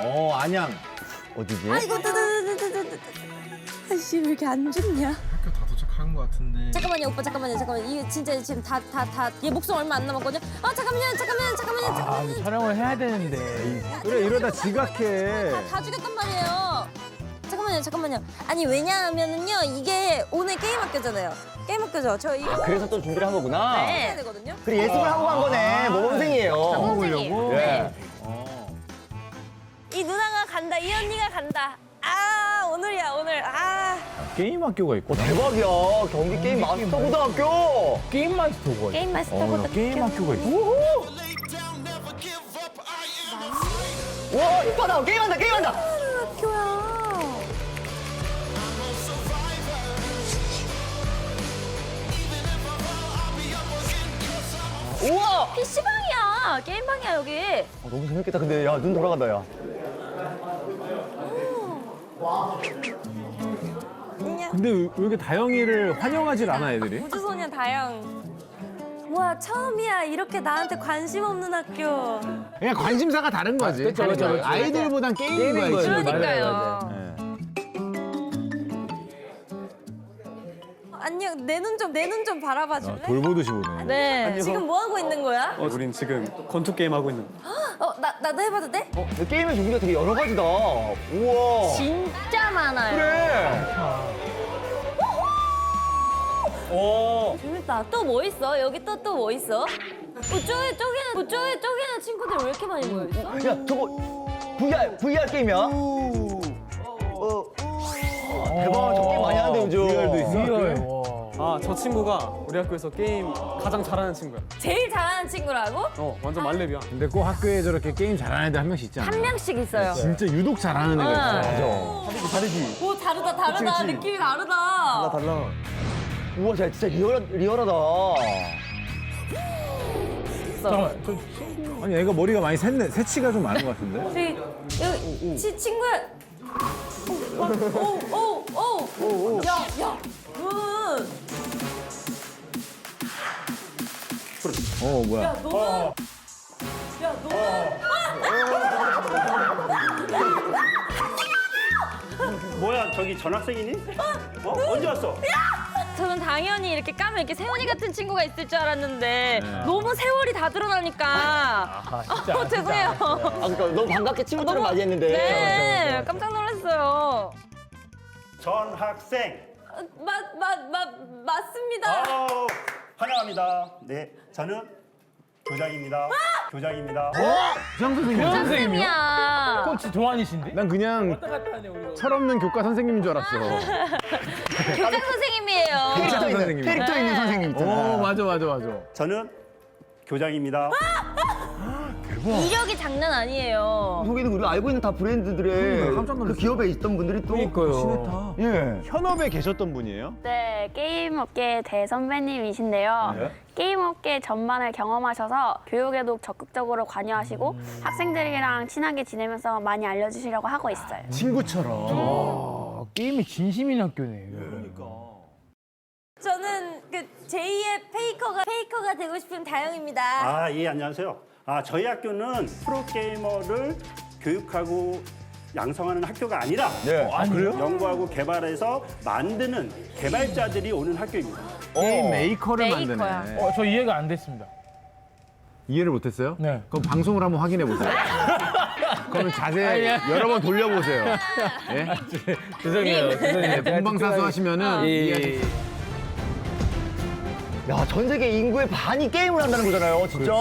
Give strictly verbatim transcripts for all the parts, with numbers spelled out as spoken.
어, 안양. 어디지? 아이고, 뜨뜨뜨뜨뜨뜨. 아씨, 왜 이렇게 안 좋냐? 학교 다 도착한 것 같은데. 잠깐만요, 오빠, 잠깐만요, 잠깐만요. 이게 진짜 지금 다, 다, 다, 얘 목숨 얼마 안 남았거든요. 아, 잠깐만요, 잠깐만요, 잠깐만요, 잠깐만요. 아, 촬영을 해야 되는데. 그래, 이러다 지각해. 다 죽였단 말이에요. 잠깐만요, 잠깐만요. 아니, 왜냐하면은요, 이게 오늘 게임 학교잖아요. 게임 학교죠. 저 이거 그래서 또 준비를 한 거구나. 해야 되거든요. 그래, 예습을 하고 간 거네. 모범생이에요. 모범생이에요. 예. 이 누나가 간다, 이 언니가 간다. 아, 오늘이야, 오늘. 아. 게임 학교가 있고. 어, 대박이야. 경기 게임 마스터 고등학교. 게임 마스터가 게임 마스터 어, 나 고등학교. 게임 학교가 있어. 와, 이쁘다. 게임한다, 게임한다. 학교야. 우와. 피시방이야. 게임방이야, 여기. 아, 너무 재밌겠다. 근데 야, 눈 돌아간다, 야. 근데 왜 이렇게 다영이를 환영하질 않아, 애들이? 우주소년 다영. 와, 처음이야. 이렇게 나한테 관심 없는 학교. 그냥 관심사가 다른 거지. 그쵸, 그쵸, 그쵸. 아이들보단 게임인 거야, 이 거지. 친구들. 그러니까요. 네. 안녕, 내 눈 좀, 내 눈 좀 바라봐 줄래? 아, 돌보듯이 보네. 네. 지금 뭐 하고 있는 거야? 어, 우린 지금 권투 게임 하고 있는. 어, 나, 나도 해봐도 돼? 어, 근데 게임의 종류가 되게 여러 가지다. 우와. 진짜 많아요. 그래. 오. 재밌다. 또 뭐 있어? 여기 또 또 뭐 있어? 그쪽에 쪽에는 그쪽에 쪽에는 친구들 왜 이렇게 많이 모여 있어? 야, 저거 브이알, 브이알 게임이야? 어. 대박, 저 게임 많이 하는데 요즘. 브이알도 있어? 아, 저 친구가 우리 학교에서 게임 가장 잘하는 친구야. 제일 잘하는 친구라고? 어, 완전 말렙이야. 근데 꼭 학교에 저렇게 게임 잘하는 애들 한 명씩 있잖아. 한 명씩 있어요. 진짜 유독 잘하는 애가 있어. 맞아. 다르지? 오, 다르다, 다르다. 그치, 그치. 느낌이 다르다. 달라. 우와, 자, 진짜 리얼, 리얼하다. 잠깐만, 저 아니, 애가 머리가 많이 샜네. 새치가 좀 많은 것 같은데? 저기, 여기, 치, 친구야. 오, 오, 오, 오. 야, 야. 굿. 어, 뭐야. 너는. 야, 너는. 뭐야 저기 전학생이니? 어? 언제 왔어? 저는 당연히 이렇게 까면 이렇게 세훈이 같은 친구가 있을 줄 알았는데 너무 세월이 다 드러나니까 어, 죄송해요. 아, 그러니까 너무 반갑게 친구들을 맞이했는데. 네, 깜짝 놀랐어요. 전학생. 맞, 맞, 맞, 맞습니다. 어, 환영합니다. 네, 저는 교장입니다. 교장입니다. 부장 선생님. 선생님이야. 코치 조한이신데? 난 그냥 철없는 교과 선생님인 줄 알았어. 교장 선생님이에요. 캐릭터 있는, 선생님. 캐릭터 있는 선생님 있잖아. 어, 맞아, 맞아, 맞아. 저는 교장입니다. 이력이 장난 아니에요. 속에는 우리가 알고 있는 다 브랜드들의 깜짝 그 놀랐어. 기업에 있던 분들이 또. 그러니까요. 예. 현업에 계셨던 분이에요? 네, 게임업계 대선배님이신데요. 네. 게임업계 전반을 경험하셔서 교육에도 적극적으로 관여하시고 학생들이랑 친하게 지내면서 많이 알려주시려고 하고 있어요. 친구처럼. 아, 게임이 진심인 학교네. 저는 그 제이의 페이커가 페이커가 되고 싶은 다영입니다. 아, 예, 안녕하세요. 아, 저희 학교는 프로게이머를 교육하고 양성하는 학교가 아니라 네. 아, 그래요? 연구하고 개발해서 만드는 개발자들이 오는 학교입니다. 게임 메이커를 메이커야. 만드네. 어, 저 이해가 안 됐습니다. 이해를 못했어요? 네. 그럼 방송을 한번 확인해 보세요. 그러면 자세 아, 예. 여러 번 돌려보세요. 예? 죄송해요. 죄송해요. 네, 본방사수 하시면은 예, 이해하실 예. 수 있어요. 야, 전 세계 인구의 반이 게임을 한다는 거잖아요, 진짜.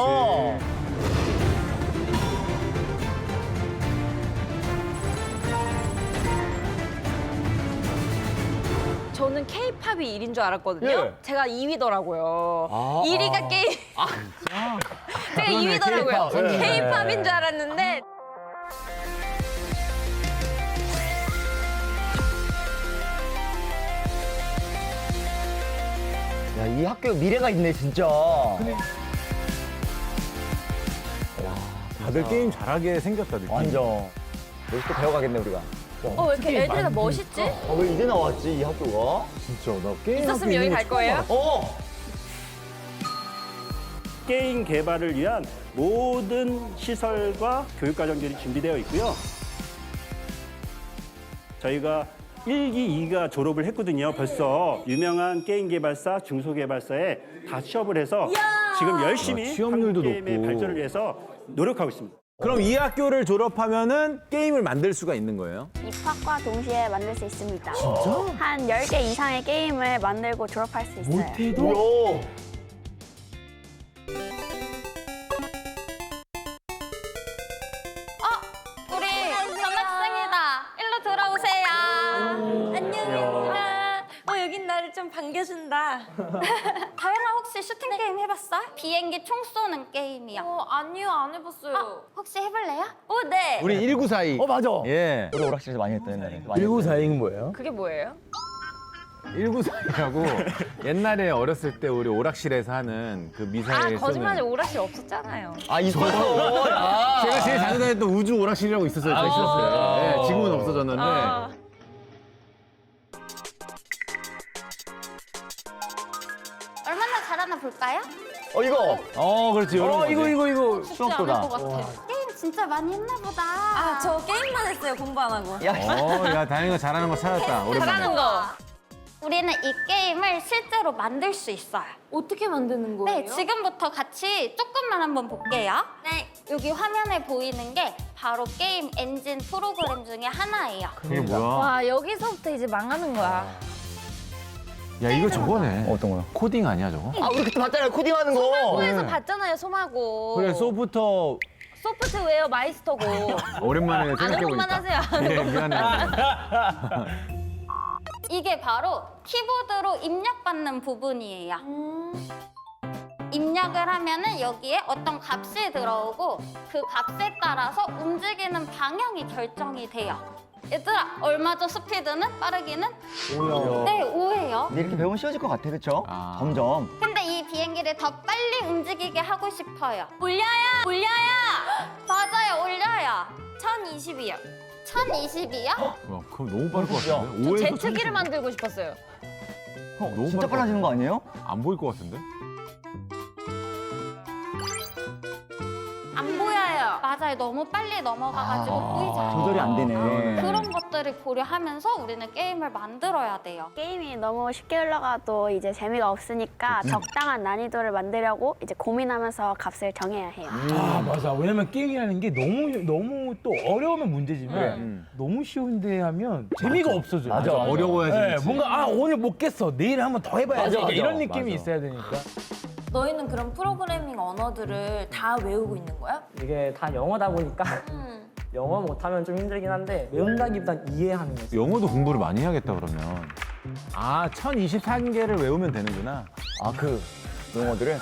저는 K-팝이 일 위인 줄 알았거든요. 예. 제가 이 위더라고요. 아, 일 위가 아. 게임. 제가 이 위더라고요. K-팝. 예. K-팝인 줄 알았는데. 야, 이 학교 미래가 있네, 진짜. 다들 게임 잘하게 생겼다 느낌. 완전. 여기서 또 배워가겠네, 우리가. 어, 왜 이렇게 애들이 다 멋있지? 아, 왜 이제 나왔지, 이 학교가? 진짜 나 게임 있었으면 학교 여기 있는 갈 거 거예요? 어! 게임 개발을 위한 모든 시설과 교육 과정들이 준비되어 있고요. 저희가 일 기, 이 기가 졸업을 했거든요. 벌써 유명한 게임 개발사, 중소개발사에 다 취업을 해서 지금 열심히 아, 취업률도 한국 게임의 높고. 발전을 위해서 노력하고 있습니다. 그럼 이 학교를 졸업하면은 게임을 만들 수가 있는 거예요? 입학과 동시에 만들 수 있습니다. 진짜? 한 열 개 이상의 게임을 만들고 졸업할 수 있어요. 오. 우리 전학생이다. 일로 들어오세요. 안녕. 어, 여긴 나를 좀 반겨준다. 다영아 혹시 슈팅 게임 해봤어? 비행기 총 쏘는 게임이야. 어, 아니요, 안 해봤어요. 어, 혹시 해볼래요? 어, 네. 우리 일구사이. 어 맞아. 예. 우리 오락실에서 많이 했던 옛날에. 많이 일구사이는 뭐예요? 그게 뭐예요? 일구사이라고 옛날에 어렸을 때 우리 오락실에서 하는 그 아, 미사일 거짓말이 쏘는. 오락실 없었잖아요. 아 있었어. 야. 제가 제일 자주 다녔던 우주 오락실이라고 있었어요. 제가 있었어요. 예, 지금은 없어졌는데. 아. 얼마나 잘하나 볼까요? 어 이거. 어, 그렇지. 이런 어 거지. 이거 이거 이거. 수학도다. 게임 진짜 많이 했나 보다. 아, 저 게임만 했어요, 공부 안 하고. 야. 어, 야, 다행이가 잘하는 거 찾았다. 오랜만에. 잘하는 거. 우리는 이 게임을 실제로 만들 수 있어요. 어떻게 만드는 거예요? 네, 지금부터 같이 조금만 한번 볼게요. 네. 여기 화면에 보이는 게 바로 게임 엔진 프로그램 중에 하나예요. 그게 뭐야? 와, 여기서부터 이제 망하는 거야. 야, 이거 저거네. 어떤 거요? 코딩 아니야, 저거? 아 우리 그때 봤잖아요 코딩하는 거. 소마고에서 봤잖아요, 소마고. 그래, 소프터 소프트웨어 마이스터고. 오랜만에 아는 생각해보니까. 것만 하세요. 아는 예, 것만. 미안해. 이게 바로 키보드로 입력받는 부분이에요. 입력을 하면은 여기에 어떤 값이 들어오고 그 값에 따라서 움직이는 방향이 결정이 돼요. 얘들아, 얼마죠 스피드는? 빠르기는? 오요. 네, 오예요. 근데 이렇게 배우면 쉬워질 것 같아, 그렇죠? 아. 점점. 근데 이 비행기를 더 빨리 움직이게 하고 싶어요. 올려요! 올려요! 맞아요, 올려요. 천이십이요. 천이십이요? 야, 그럼 너무 빠를 것 같은데? 저 오에서 제트기를 만들고 싶었어요. 어, 너무 진짜 빨라. 빨라지는 거 아니에요? 안 보일 것 같은데? 안 보여요. 맞아요, 너무 빨리 넘어가가지고 아. 보이지 조절이 안 되네. 그러네. 그런 것들을 고려하면서 우리는 게임을 만들어야 돼요. 게임이 너무 쉽게 흘러가도 이제 재미가 없으니까 적당한 난이도를 만들려고 이제 고민하면서 값을 정해야 해요. 아 맞아. 왜냐면 게임이라는 게 너무 너무 또 어려우면 문제지만 음. 너무 쉬운데 하면 재미가 없어져요. 맞아, 맞아. 어려워야지. 네, 그렇지. 뭔가 아 오늘 못 깼어. 내일 한번 더 해봐야지. 맞아, 맞아. 이런 느낌이 맞아. 있어야 되니까. 너희는 그럼 프로그래밍 언어들을 다 외우고 있는 거야? 이게 다 영어다 보니까 음. 영어 못하면 좀 힘들긴 한데 외운다기보단 이해하는 거지. 영어도 공부를 많이 해야겠다, 그러면. 아, 천이십삼 개를 외우면 되는구나. 아, 그 용어들을?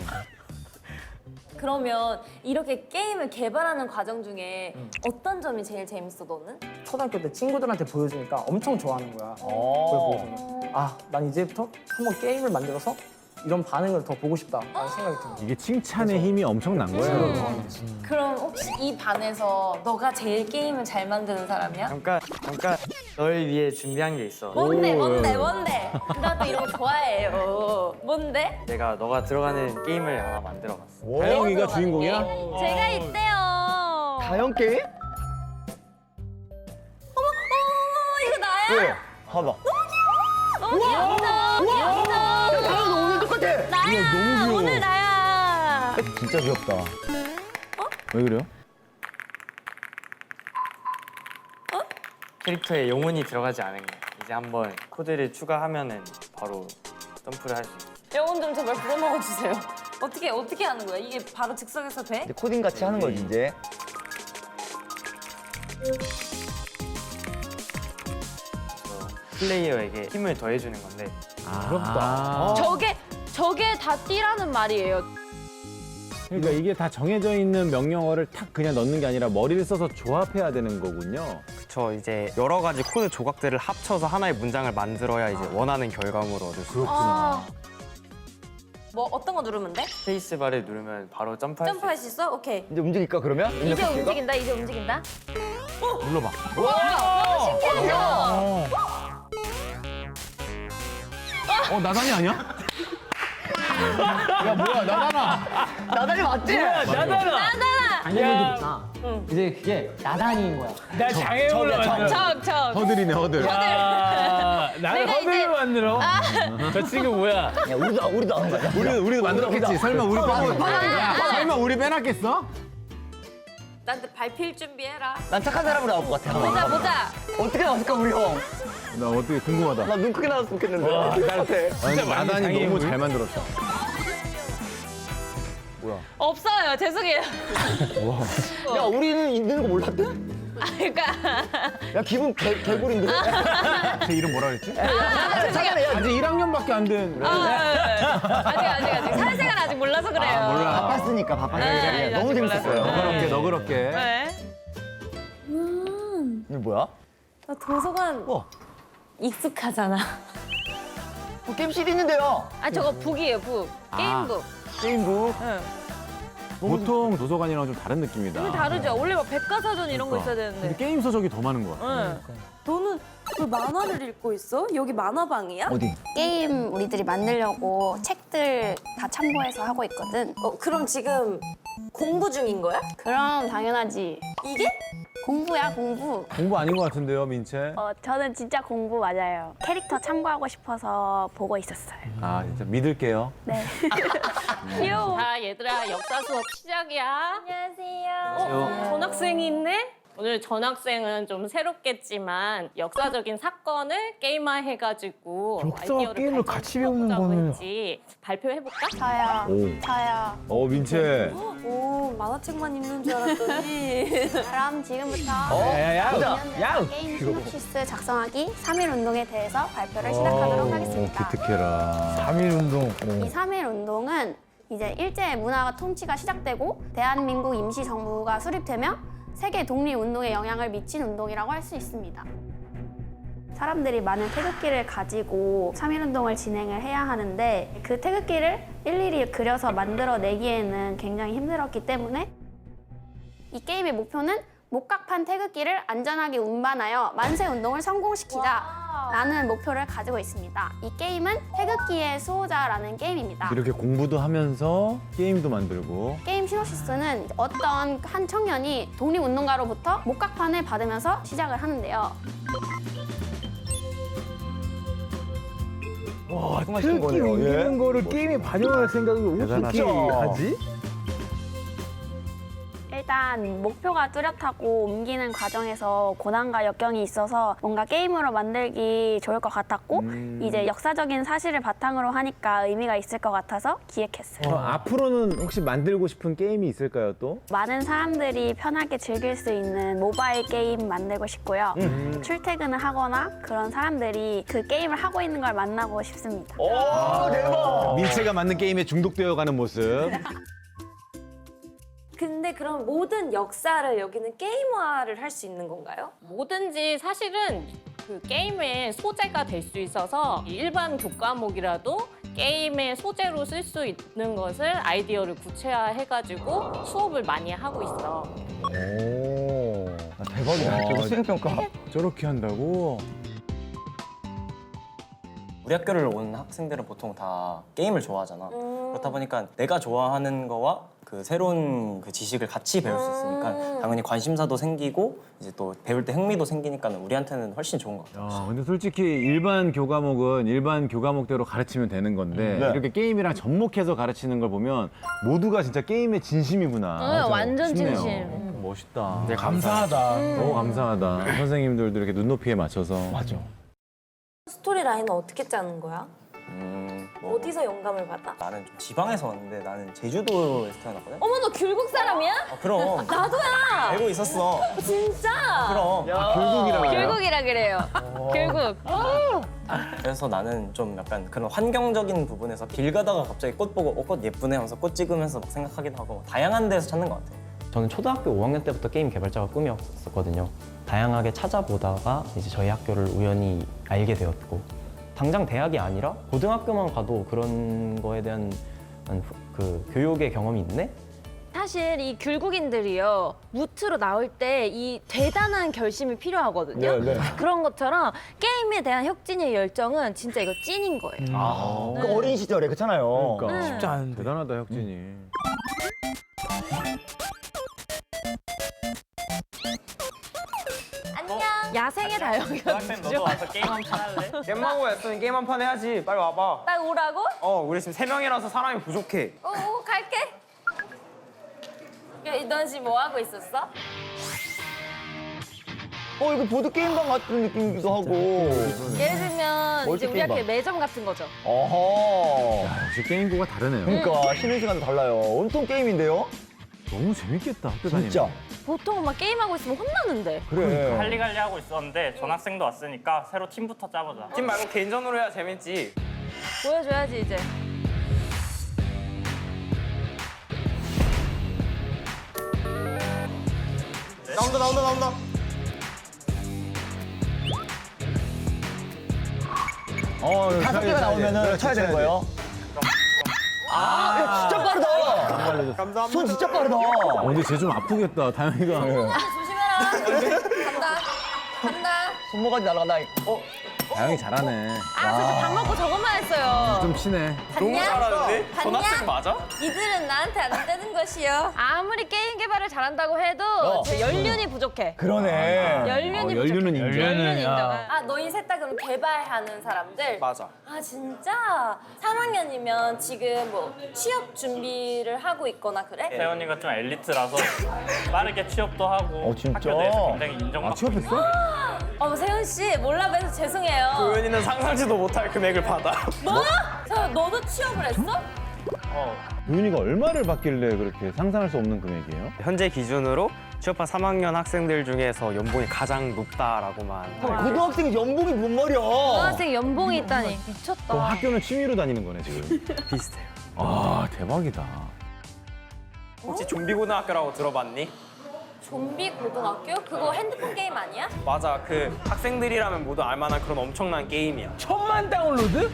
그러면 이렇게 게임을 개발하는 과정 중에 어떤 점이 제일 재밌어, 너는? 초등학교 때 친구들한테 보여주니까 엄청 좋아하는 거야. 그걸 어. 보고서 아, 난 이제부터 한번 게임을 만들어서 이런 반응을 더 보고 싶다라는 생각이 든 거야. 이게 칭찬의 힘이 엄청난 거예요. 그럼 혹시 이 반에서 너가 제일 게임을 잘 만드는 사람이야? 잠깐, 잠깐 널 위해 준비한 게 있어. 뭔데, 뭔데, 뭔데? 나도 이런 거 좋아해요. 뭔데? 내가 너가 들어가는 게임을 하나 만들어봤어. 다영이가 주인공이야? 제가 있대요. 다영 게임? 어머, 이거 나야? 왜? 봐봐. 너무 귀엽다. 귀엽다. 다영 너 오늘 똑같아. 나야. 너무 귀여워. 오늘 나야. 진짜 귀엽다. 왜 그래요? 캐릭터에 영혼이 들어가지 않은 거야. 이제 한번 코드를 추가하면은 바로 점프를 할 수 있어. 영혼 좀 제발 불어넣어 주세요. 어떻게 어떻게 하는 거야? 이게 바로 즉석에서 돼? 이제 코딩 같이 하는 거지 이제. 그래서 플레이어에게 힘을 더해주는 건데 아, 부럽다. 저게 저게 다 띠라는 말이에요. 그러니까 이게 다 정해져 있는 명령어를 탁 그냥 넣는 게 아니라 머리를 써서 조합해야 되는 거군요. 그쵸. 이제 여러 가지 코드 조각들을 합쳐서 하나의 문장을 만들어야 이제 원하는 결과물을 얻을 수 있어. 아. 뭐 어떤 거 누르면 돼? 스페이스바를 누르면 바로 점프할 수 점프할 수 있어? 오케이. 이제 움직일까 그러면? 이제 입력할게요. 움직인다. 이제 움직인다. 눌러봐. 신기하죠? 어, 나단이 아니야? 야 뭐야 나다나. 나단이 맞지? 나다나. 당연히 좋다. 이제 그게 나단인 거야. 나 장애물을 만들어. 적, 적. 허들이네 허들. 야, 나를 내가 허들을 이제- 만들어? 저 친구 뭐야? 야, 우리도, 우리도 하는 거야. 우리 우리도 만들었겠지. 설마 우리 빼고. 야, 설마 우리 빼놨겠어? 나한테 발필 준비해라. 난 착한 사람으로 나올 것 같아. 보자, 보자. 어떻게 나왔을까, 우리 형? 나 어떻게 궁금하다. 나 눈 크게 나왔으면 좋겠는데. 와, 어떨 것 같아? 아니, 나단이 너무 장애물. 잘 만들었어. 없어요. 죄송해요. 야, 우리는 있는 거 몰랐대? 아, 그러니까. 야, 기분 개, 개구리인데? 제 이름 뭐라 그랬지? 아, 죄송해요. 아직 일 학년밖에 안 된. 아, 아직, 아직, 아직. 사회생활 아직 몰라서 그래요. 아, 몰라. 바빴으니까, 바빴으니까. 네, 너무 아직 재밌었어요. 몰랐어요. 너그럽게 너그럽게. 네. 이게 뭐야? 나 도서관 어. 익숙하잖아. 뭐 게임실이 있는데요. 아, 저거 북이에요, 북. 게임북. 게임북. 응. 보통 도서관이랑 좀 다른 느낌이다. 좀 다르죠? 원래 막 백과사전 이런 거 있어야 근데 되는데. 게임 서적이 더 많은 것 같아. 응. 너는 그 만화를 읽고 있어? 여기 만화방이야? 어디? 게임 우리들이 만들려고 책들 다 참고해서 하고 있거든. 어, 그럼 지금 공부 중인 거야? 그럼 당연하지. 이게? 공부야, 공부. 공부 아닌 것 같은데요, 민채? 어, 저는 진짜 공부 맞아요. 캐릭터 참고하고 싶어서 보고 있었어요. 아 진짜 믿을게요. 네. 귀여워. 자, 얘들아, 역사 수업 시작이야. 안녕하세요. 어, 전학생이 있네? 오늘 전학생은 좀 새롭겠지만 역사적인 사건을 게임화해가지고 역사 아이디어를 게임을 발전시켜보자고 같이 배우는 거는- 했지. 발표해볼까? 저요. 오. 저요. 어 민채. 오, 만화책만 읽는 줄 알았더니. 그럼 지금부터 야야야. 야. 게임 시놉시스 작성하기 삼 일 운동에 대해서 발표를 시작하도록 오, 하겠습니다. 기특해라. 삼 일 운동. 이 삼 일 운동은 이제 일제 문화가 통치가 시작되고 대한민국 임시정부가 수립되며 세계 독립운동에 영향을 미친 운동이라고 할 수 있습니다. 사람들이 많은 태극기를 가지고 삼 일 운동을 진행을 해야 하는데 그 태극기를 일일이 그려서 만들어내기에는 굉장히 힘들었기 때문에 이 게임의 목표는 목각판 태극기를 안전하게 운반하여 만세 운동을 성공시키자 라는 목표를 가지고 있습니다. 이 게임은 태극기의 수호자라는 게임입니다. 이렇게 공부도 하면서 게임도 만들고. 게임 시놉시스는 어떤 한 청년이 독립운동가로부터 목각판을 받으면서 시작을 하는데요. 와, 정말 쉬운 특기 거네요. 옮기는 거를 게임에 반영할 생각을 어떻게 대단하다. 하지? 일단 목표가 뚜렷하고 옮기는 과정에서 고난과 역경이 있어서 뭔가 게임으로 만들기 좋을 것 같았고 음. 이제 역사적인 사실을 바탕으로 하니까 의미가 있을 것 같아서 기획했어요. 그럼 앞으로는 혹시 만들고 싶은 게임이 있을까요 또? 많은 사람들이 편하게 즐길 수 있는 모바일 게임 만들고 싶고요. 출퇴근을 하거나 그런 사람들이 그 게임을 하고 있는 걸 만나고 싶습니다. 오, 대박! 민채가 만든 게임에 중독되어가는 모습. 근데 그럼 모든 역사를 여기는 게임화를 할 수 있는 건가요? 뭐든지 사실은 그 게임의 소재가 될 수 있어서 일반 교과목이라도 게임의 소재로 쓸 수 있는 것을 아이디어를 구체화해가지고 수업을 많이 하고 있어. 오. 아, 대박이다. 저거 수행평가. 저렇게 한다고? 우리 학교를 온 학생들은 보통 다 게임을 좋아하잖아. 그렇다 보니까 내가 좋아하는 거와 그 새로운 그 지식을 같이 배울 수 있으니까 당연히 관심사도 생기고 이제 또 배울 때 흥미도 생기니까 우리한테는 훨씬 좋은 것 같아. 야, 근데 솔직히 일반 교과목은 일반 교과목대로 가르치면 되는 건데 네. 이렇게 게임이랑 접목해서 가르치는 걸 보면 모두가 진짜 게임의 진심이구나. 응, 완전 싶네요. 진심. 멋있다. 네, 감사하다. 너무 감사하다. 선생님들도 이렇게 눈높이에 맞춰서. 맞아. 스토리 라인은 어떻게 짜는 거야? 음, 뭐 어디서 영감을 받아? 나는 좀 지방에서 왔는데 나는 제주도에서 태어났거든. 어머, 너 귤국 사람이야? 어, 그럼 나도야. 알고 있었어. 진짜? 그럼. 결국이라고 해요? 귤국이라 그래요. 귤국. 그래서 나는 좀 약간 그런 환경적인 부분에서 길 가다가 갑자기 꽃 보고 어, 꽃 예쁘네 하면서 꽃 찍으면서 막 생각하기도 하고 다양한 데서 찾는 것 같아. 저는 초등학교 오 학년 때부터 게임 개발자가 꿈이었었거든요. 다양하게 찾아보다가 이제 저희 학교를 우연히 알게 되었고 당장 대학이 아니라 고등학교만 가도 그런 거에 대한 그 교육의 경험이 있네? 사실 이 귤국인들이요 무트로 나올 때 이 대단한 결심이 필요하거든요. 네, 네. 그런 것처럼 게임에 대한 혁진이의 열정은 진짜 이거 찐인 거예요. 아, 그 네. 어린 시절에 그렇잖아요. 그러니까. 쉽지 않은데. 대단하다 혁진이. 안녕. 야생의 다영이가 누구죠? 와서 게임 한 판 할래? 겜마고 했으면 게임 한 판 해야지. 빨리 와봐. 딱 오라고? 어, 우리 지금 세 명이라서 사람이 부족해. 오, 오 갈게. 야, 넌 지금 뭐 하고 있었어? 어, 이거 보드게임방 같은 느낌이기도 하고. 예를 들면 이제 우리 학교에 멀티게임방. 매점 같은 거죠. 어허. 역시 게임부가 다르네요. 그러니까 쉬는 시간도 달라요. 온통 게임인데요? 너무 재밌겠다 학교 진짜. 다니면. 보통 막 게임하고 있으면 혼나는데. 그래. 할리갈리 하고 있었는데 전학생도 왔으니까 새로 팀부터 짜보자. 팀 말고 개인전으로 해야 재밌지. 보여줘야지 이제. 나온다 나온다 나온다. 어, 다섯 개가 나오면은 쳐야 되는 거예요? 아, 야, 진짜 빠르다. 감사합니다. 손 진짜 빠르다. 어, 근데 쟤 좀 아프겠다 다영이가. 조심해라. 간다. 간다. 손모가지 날아간다. 어? 다영이 잘하네. 아, 저 밥 먹고 저것만 했어요. 좀 친해. 너무 봤냐? 잘하는데? 봤냐? 전학생 맞아? 이들은 나한테 안 되는 것이요. 아무리 게임 개발을 잘한다고 해도 어. 제 연륜이 부족해. 그러네. 연륜이 어, 부족해. 연륜은 인정. 연륜 인정. 야. 아, 너희 셋 다 그럼 개발하는 사람들? 맞아. 아, 진짜? 삼 학년이면 지금 뭐 취업 준비를 하고 있거나 그래? 세연이가 좀 엘리트라서 빠르게 취업도 하고 어, 진짜? 학교 내에서 굉장히 인정받고 아 취업했어? 어, 세훈 씨 몰라 봬서 죄송해요. 도현이는 상상치도 못할 금액을 받아. 뭐? 저 너도 취업을 했어? 어. 도윤이가 얼마를 받길래 그렇게 상상할 수 없는 금액이에요? 현재 기준으로 취업한 삼 학년 학생들 중에서 연봉이 가장 높다라고만. 어, 고등학생이 연봉이 뭔 말이야? 고등학생 연봉이 있다니 미쳤다. 그럼 학교는 취미로 다니는 거네 지금. 비슷해요. 아 대박이다. 혹시 좀비 고등학교라고 들어봤니? 좀비 고등학교? 그거 핸드폰 게임 아니야? 맞아. 그 학생들이라면 모두 알만한 그런 엄청난 게임이야. 천만 다운로드?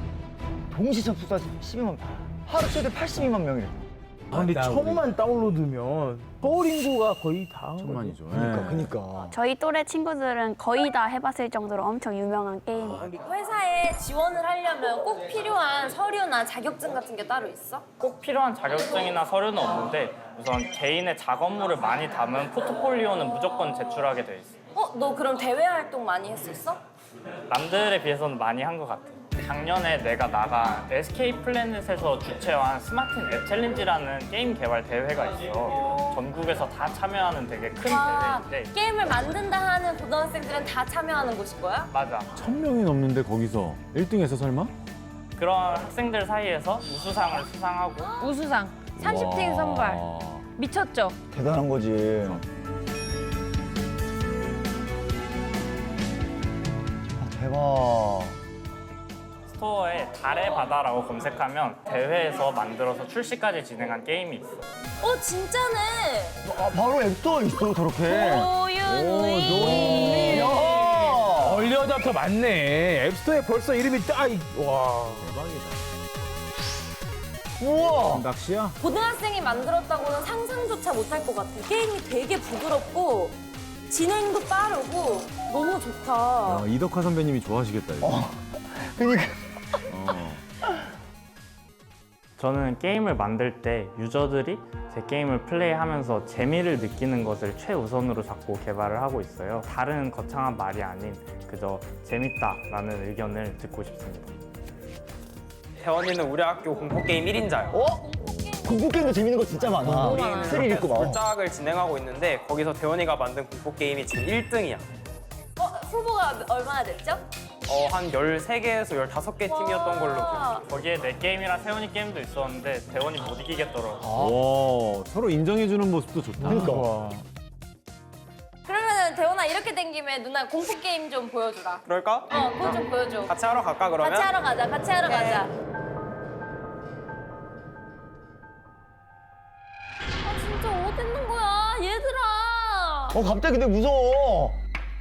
동시 접속자 십이만. 하루 최대 팔십이만 명이래. 아, 근데 천만 다운로드면 서울 인구가 거의 다. 천만이죠. 그러니까, 예. 그러니까. 저희 또래 친구들은 거의 다 해봤을 정도로 엄청 유명한 게임. 회사에 지원을 하려면 꼭 필요한 서류나 자격증 같은 게 따로 있어? 꼭 필요한 자격증이나 서류는 없는데 우선 개인의 작업물을 많이 담은 포트폴리오는 무조건 제출하게 돼 있어. 어? 너 그럼 대외 활동 많이 했었어? 남들에 비해서는 많이 한 것 같아. 작년에 내가 나간 에스케이 플래닛에서 주최한 스마틴 앱 챌린지라는 게임 개발 대회가 있어. 전국에서 다 참여하는 되게 큰 아, 대회인데. 게임을 만든다 하는 고등학생들은 다 참여하는 곳인 거야? 맞아. 천 명이 넘는데 거기서 일 등 했어 설마? 그런 학생들 사이에서 우수상을 수상하고 우수상 삼십 등 선발 와. 미쳤죠? 대단한 거지. 아, 대박. 스토어에 달의 바다라고 검색하면 대회에서 만들어서 출시까지 진행한 게임이 있어. 어 진짜네. 아, 바로 앱스토어에 있어, 저렇게. 노윤위. 야! 얼리 어답터 맞네. 앱스토어에 벌써 이름이 딱. 있- 와. 우와! 낚시야? 고등학생이 만들었다고는 상상조차 못할 것 같아. 게임이 되게 부드럽고 진행도 빠르고 너무 좋다. 야, 이덕화 선배님이 좋아하시겠다 이거. 어. 그니까. 어. 저는 게임을 만들 때 유저들이 제 게임을 플레이하면서 재미를 느끼는 것을 최우선으로 잡고 개발을 하고 있어요. 다른 거창한 말이 아닌 그저 재밌다라는 의견을 듣고 싶습니다. 태원이는 우리 학교 공포게임 일 인자요. 어? 공포게임도 재밌는 거 진짜 많아. 우리는 스릴 있고 막. 굴짝을 진행하고 있는데 거기서 태원이가 만든 공포게임이 지금 일 등이야. 어, 후보가 얼마나 됐죠? 어, 한 열세 개에서 열다섯 개 팀이었던 걸로 와. 기억해요. 거기에 내 게임이랑 세원이 게임도 있었는데 대원이 못 이기겠더라고. 와 서로 인정해주는 모습도 좋다. 그러니까. 그러면은 대원아 이렇게 된 김에 누나 공포 게임 좀 보여주라. 그럴까? 어, 그거 좀 보여줘. 같이 하러 갈까 그러면? 같이 하러 가자. 같이 하러 가자. 아 진짜 어디 있는 거야, 얘들아. 어, 갑자기 근데 무서워.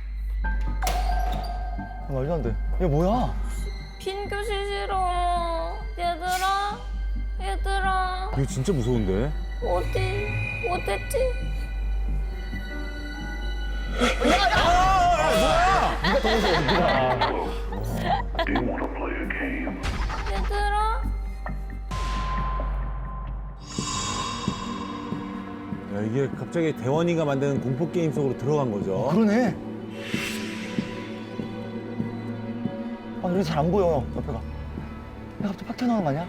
아, 말도 안 돼. 얘 뭐야? 빈 교실 싫어. 얘들아, 얘들아. 이거 진짜 무서운데? 어디 어딨지? 얘들아. 야, 이게 갑자기 대원이가 만드는 공포 게임 속으로 들어간 거죠. 그러네. 아, 여기 잘 안 보여, 옆에가. 야, 갑자기 팍 튀어나오는 거 아니야?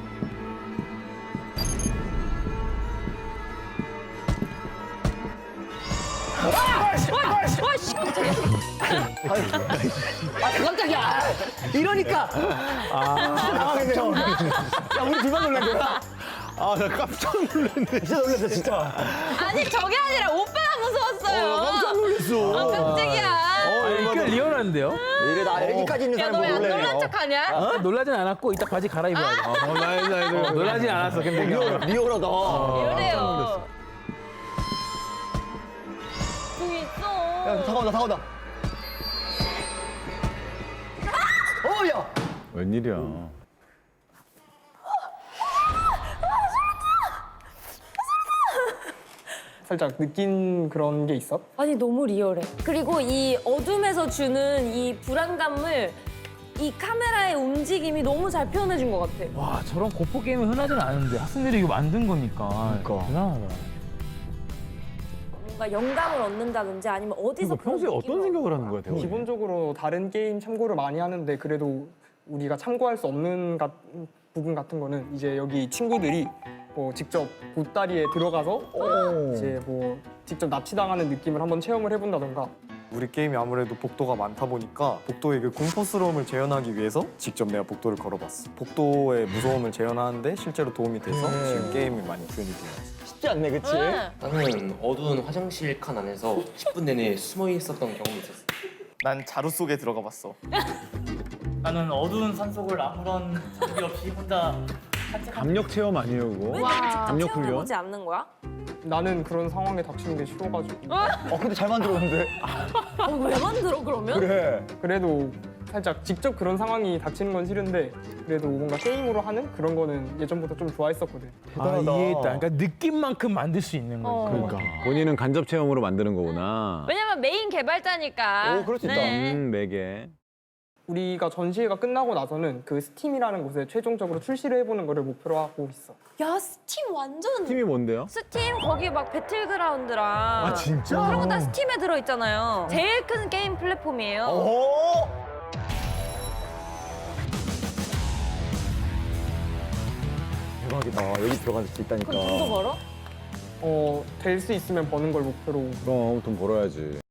와씨 깜짝이야. 아, 깜짝이야! 이러니까! 아, 당황했네요. 야, 우리 둘만 놀란 거야? 아, 나 깜짝 놀랐네. 진짜 놀랐어, 진짜. 아니 저게 아니라 오빠가 무서웠어요. 어, 깜짝 놀랐어. 아 깜짝이야. 아니, 꽤 리얼한데요? 이래, 나 여기까지 있는 야 사람 너 왜 안 놀래요. 놀란 척하냐? 어? 놀라진 않았고 이따 바지 갈아입어야 돼. 어, 나이, 나이, 어, 놀라진 않았어, 근데. 리얼, 리얼하다. 이래요. 저기 있어. 야, 다가온다, 다가온다. 어, 야! 웬일이야. 살짝 느낀 그런 게 있어? 아니 너무 리얼해. 그리고 이 어둠에서 주는 이 불안감을 이 카메라의 움직임이 너무 잘 표현해 준 것 같아. 와, 저런 공포 게임은 흔하진 않은데 학생들이 이거 만든 거니까. 그러니까. 대단하다. 뭔가 영감을 얻는다든지 아니면 어디서 그러니까 평소에 그런 어떤 느낌을 생각을 하는 거야, 대원이? 기본적으로 다른 게임 참고를 많이 하는데 그래도 우리가 참고할 수 없는 가- 부분 같은 거는 이제 여기 친구들이 뭐 직접 보따리에 들어가서 이제 뭐 직접 납치당하는 느낌을 한번 체험을 해본다던가. 우리 게임이 아무래도 복도가 많다 보니까 복도의 그 공포스러움을 재현하기 위해서 직접 내가 복도를 걸어봤어. 복도의 무서움을 재현하는데 실제로 도움이 돼서 네. 지금 게임이 많이 표현이 되었어. 쉽지 않네, 그치? 응. 나는 어두운 화장실 칸 안에서 십 분 내내 숨어 있었던 경험이 있었어. 난 자루 속에 들어가 봤어. 나는 어두운 산속을 아무런 장비 없이 혼자 감력 체험 아니에요, 그거? 왜 이렇게 직접 압력 훈련? 체험해보지 않는 거야? 나는 그런 상황에 닥치는 게 싫어가지고. 어, 근데 잘 만들었는데? 어, 왜 만들어 그러면? 그래. 그래도 살짝 직접 그런 상황이 닥치는 건 싫은데 그래도 뭔가 게임으로 하는 그런 거는 예전부터 좀 좋아했었거든. 아, 대단하다. 이해했다. 그러니까 느낌만큼 만들 수 있는 거지. 어. 그러니까. 본인은 간접 체험으로 만드는 거구나. 왜냐면 메인 개발자니까. 오, 그럴 수 있다. 네. 음, 매개. 우리가 전시회가 끝나고 나서는 그 스팀이라는 곳에 최종적으로 출시를 해보는 거를 목표로 하고 있어. 야 스팀 완전. 팀이 뭔데요? 스팀 거기 막 배틀그라운드랑. 아, 진짜? 그런 거 다 스팀에 들어 있잖아요. 제일 큰 게임 플랫폼이에요. 오! 대박이다. 여기 들어갈 수 있다니까. 그럼 돈도 벌어? 어, 될 수 있으면 버는 걸 목표로. 그럼 돈 벌어야지.